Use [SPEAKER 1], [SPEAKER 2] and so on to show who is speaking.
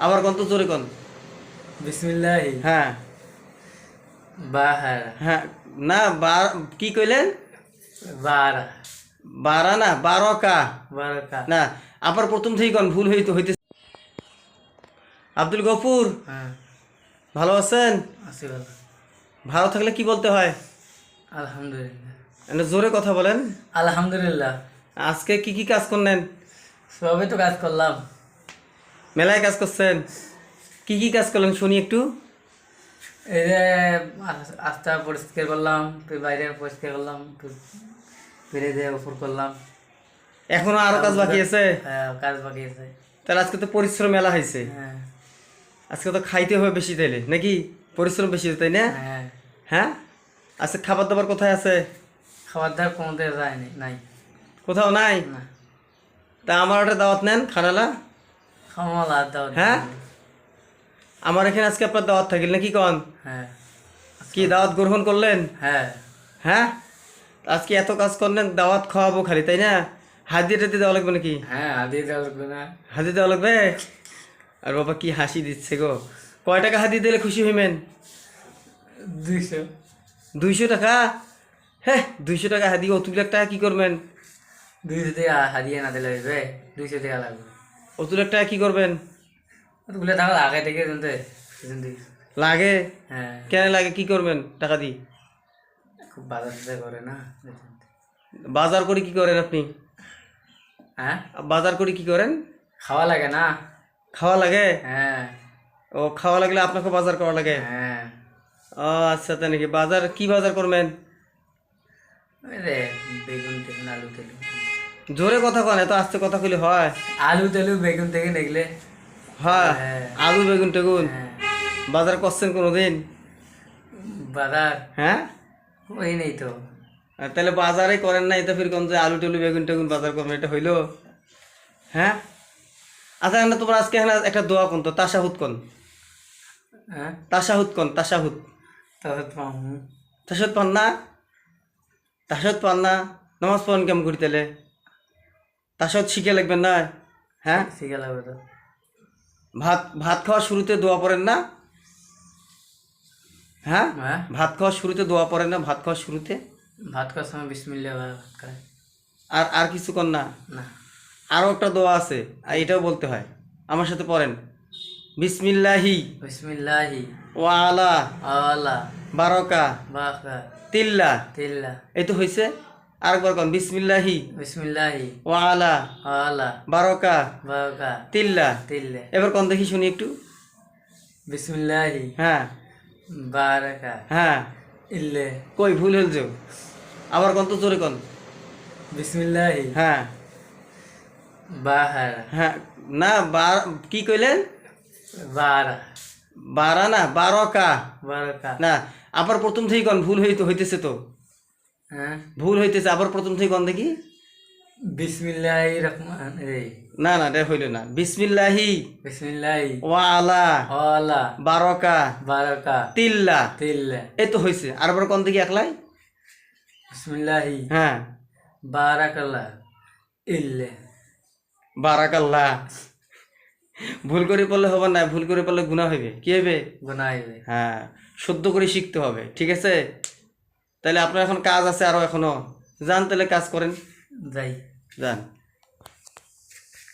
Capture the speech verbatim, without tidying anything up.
[SPEAKER 1] আবার কোন তো জোরে কোন।
[SPEAKER 2] বিসমিল্লাহি
[SPEAKER 1] হ্যাঁ
[SPEAKER 2] বাহার
[SPEAKER 1] হ্যাঁ না বার কি কইলেন?
[SPEAKER 2] বারা
[SPEAKER 1] বারা না বারকা
[SPEAKER 2] বারকা
[SPEAKER 1] না, আবার প্রথম থেকেই কোন, ভুল হইতে হইতে। আব্দুল গফুর,
[SPEAKER 2] হ্যাঁ
[SPEAKER 1] ভালো আছেন?
[SPEAKER 2] আছি ভালো।
[SPEAKER 1] ভালো থাকলে কি বলতে হয়?
[SPEAKER 2] আলহামদুলিল্লাহ।
[SPEAKER 1] একটু জোরে কথা বলেন।
[SPEAKER 2] আলহামদুলিল্লাহ।
[SPEAKER 1] আজকে কি কি কাজ করলেন?
[SPEAKER 2] সবই তো কাজ করলাম।
[SPEAKER 1] মেলায় কাজ করছেন, কি কি কাজ করলেন শুনি একটু।
[SPEAKER 2] এই যে আস- আস্তা পরিষ্কার করলাম, ফির বাইরে পরিষ্কার করলাম, ফির ফিরে দিয়ে উপর করলাম।
[SPEAKER 1] এখনো আরো কাজ বাকি আছে?
[SPEAKER 2] হ্যাঁ কাজ বাকি আছে।
[SPEAKER 1] তাহলে আজকে তো পরিশ্রম মেলা হয়েছে,
[SPEAKER 2] হ্যাঁ
[SPEAKER 1] আজকে তো খাইতে হবে বেশি তাইলে নাকি? পরিশ্রম বেশি তাই না?
[SPEAKER 2] হ্যাঁ
[SPEAKER 1] হ্যাঁ আজকে খাবার দাবার কোথায় আছে?
[SPEAKER 2] খাবার দাবার কমতে যায়নি নাই
[SPEAKER 1] কোথাও নাই?
[SPEAKER 2] না।
[SPEAKER 1] তা আমার একটা দাওয়াত নেন খানালা।
[SPEAKER 2] খাওয়া লাদ দাও।
[SPEAKER 1] হ্যাঁ আমার এখানে আজকে আপনার দাওয়াত থাকিল নাকি কন?
[SPEAKER 2] হ্যাঁ
[SPEAKER 1] কি দাওয়াত গ্রহণ করলেন?
[SPEAKER 2] হ্যাঁ
[SPEAKER 1] হ্যাঁ আজকে এত কাজ করলেন, দাওয়াত খাওয়াবো খালি তাই না? হাদিয়া টাদি দেওয়া লাগবে নাকি?
[SPEAKER 2] হ্যাঁ আদি দেওয়া লাগবে না।
[SPEAKER 1] হাদি দেওয়া লাগবে? আর বাবা কি হাসি দিচ্ছে গো। কয় টাকা হাদি দিলে খুশি হইবেন?
[SPEAKER 2] দুইশো।
[SPEAKER 1] দুইশো টাকা? হ্যাঁ দুইশো টাকা হাদি, অতুল এক টাকা কি করবেন?
[SPEAKER 2] দুইশো টাকা হারিয়ে না দিলে হইবে, দুইশো টাকা লাগবে।
[SPEAKER 1] অতুল এক টাকা কি করবেন?
[SPEAKER 2] ওগুলো টাকা আগে থেকে জানতে জানতে
[SPEAKER 1] লাগে?
[SPEAKER 2] হ্যাঁ
[SPEAKER 1] কেন লাগে, কি করবেন টাকা দি?
[SPEAKER 2] খুব বাজার টাজার করে না।
[SPEAKER 1] বাজার করে কি করেন আপনি?
[SPEAKER 2] হ্যাঁ
[SPEAKER 1] বাজার করে কি করেন?
[SPEAKER 2] খাওয়া লাগে না।
[SPEAKER 1] খাওয়া লাগে?
[SPEAKER 2] হ্যাঁ
[SPEAKER 1] ও খাওয়া লাগলে আপনাকে বাজার করা লাগে?
[SPEAKER 2] হ্যাঁ
[SPEAKER 1] ও আচ্ছা তাই নাকি? বাজার কি বাজার করবেন?
[SPEAKER 2] ওই রে বেগুন টেগুন আলু তেলু।
[SPEAKER 1] জোরে কথা কন, এত আস্তে কথা কইলে হয়?
[SPEAKER 2] আলু তেলু বেগুন থেকে দেখলে।
[SPEAKER 1] হ্যাঁ
[SPEAKER 2] হ্যাঁ
[SPEAKER 1] আলু বেগুন টেগুন
[SPEAKER 2] হ্যাঁ
[SPEAKER 1] বাজার করছেন কোনোদিন?
[SPEAKER 2] বাজার
[SPEAKER 1] হ্যাঁ
[SPEAKER 2] ওই নেই তো।
[SPEAKER 1] আর তাহলে বাজারে করেন না, এটা ফির কোন যে আলু টুলু বেগুন টেগুন বাজার করবেন, এটা হইলো? হ্যাঁ আচ্ছা না, তোমার আজকে এখানে একটা দোয়া কোন তো, তাশাহুদ কোন,
[SPEAKER 2] হ্যাঁ
[SPEAKER 1] তাশাহুদ কোন, তাশাহুদ।
[SPEAKER 2] তাহলে তো হুম।
[SPEAKER 1] তাশাহুদ পান না? তাশাহুদ পান না? নামাজ পড়েন কেমন করি তাহলে? তাশাহুদ শিখে লাগবেন না? হ্যাঁ
[SPEAKER 2] শিখে লাগবে তো।
[SPEAKER 1] ভাত ভাত খাওয়ার শুরুতে দোয়া পড়েন না? হ্যাঁ
[SPEAKER 2] হ্যাঁ
[SPEAKER 1] ভাত খাওয়ার শুরুতে দোয়া পড়েন না? ভাত খাওয়ার শুরুতে
[SPEAKER 2] ভাত খাওয়ার সময় বিসমিল্লাহ ভাত খায়
[SPEAKER 1] আর আর কিছু কর না?
[SPEAKER 2] না।
[SPEAKER 1] আরও একটা দোয়া আছে, আর এটাও বলতে হয়, আমার সাথে পড়েন। বিসমিল্লাহি
[SPEAKER 2] বিসমিল্লাহি
[SPEAKER 1] ওয়া আলা
[SPEAKER 2] আলা
[SPEAKER 1] বারকা
[SPEAKER 2] বাকা
[SPEAKER 1] তিল্লা।
[SPEAKER 2] তিল্লা।
[SPEAKER 1] এই তো হয়েছে, আরেকবার কন, বিসমিল্লাহি
[SPEAKER 2] বিসমিল্লাহি
[SPEAKER 1] ওয়া আলা
[SPEAKER 2] আলা
[SPEAKER 1] বারকা
[SPEAKER 2] বাকা
[SPEAKER 1] তিল্লা।
[SPEAKER 2] তিল্লা।
[SPEAKER 1] এবার কন দেখি শুনি একটু।
[SPEAKER 2] বিসমিল্লাহি
[SPEAKER 1] হ্যাঁ
[SPEAKER 2] বারাকা
[SPEAKER 1] হ্যাঁ
[SPEAKER 2] ইল্লে।
[SPEAKER 1] কই ভুল হল যে, আবার কন তো জোরে কন।
[SPEAKER 2] বিসমিল্লাহি
[SPEAKER 1] হ্যাঁ
[SPEAKER 2] বাহার
[SPEAKER 1] হ্যাঁ না বার কি কইলেন?
[SPEAKER 2] বারা
[SPEAKER 1] বারা না বারকা
[SPEAKER 2] বারাকা।
[SPEAKER 1] না, আবার প্রথম থেকেই কন, ভুল হইতে হইতেছে তো,
[SPEAKER 2] হ্যাঁ
[SPEAKER 1] ভুল হইতেছে, আবার প্রথম থেকে কন দেখি।
[SPEAKER 2] বিসমিল্লাহি রহমান এই
[SPEAKER 1] না না রে হইল না। বিসমিল্লাহি
[SPEAKER 2] বিসমিল্লাহি
[SPEAKER 1] ওয়া আলা
[SPEAKER 2] আলা
[SPEAKER 1] বারকা
[SPEAKER 2] বারাকা
[SPEAKER 1] তিল্লা।
[SPEAKER 2] তিল্লা।
[SPEAKER 1] এই তো হয়েছে, আরবার কন দেখি একলাই।
[SPEAKER 2] বিসমিল্লাহি
[SPEAKER 1] হ্যাঁ
[SPEAKER 2] বারাকাল্লাহ ইল্লে।
[SPEAKER 1] বারাকাল্লাহ। ভুল করে পড়লে হবে না, ভুল করে পড়লে গুনাহ হইবে, কি হইবে?
[SPEAKER 2] গুনাইবে।
[SPEAKER 1] হ্যাঁ শুদ্ধ করে শিখতে হবে, ঠিক আছে? তাহলে আপনার এখন কাজ আছে আরো, এখনো যান তাহলে কাজ করেন,
[SPEAKER 2] যাই।
[SPEAKER 1] যান।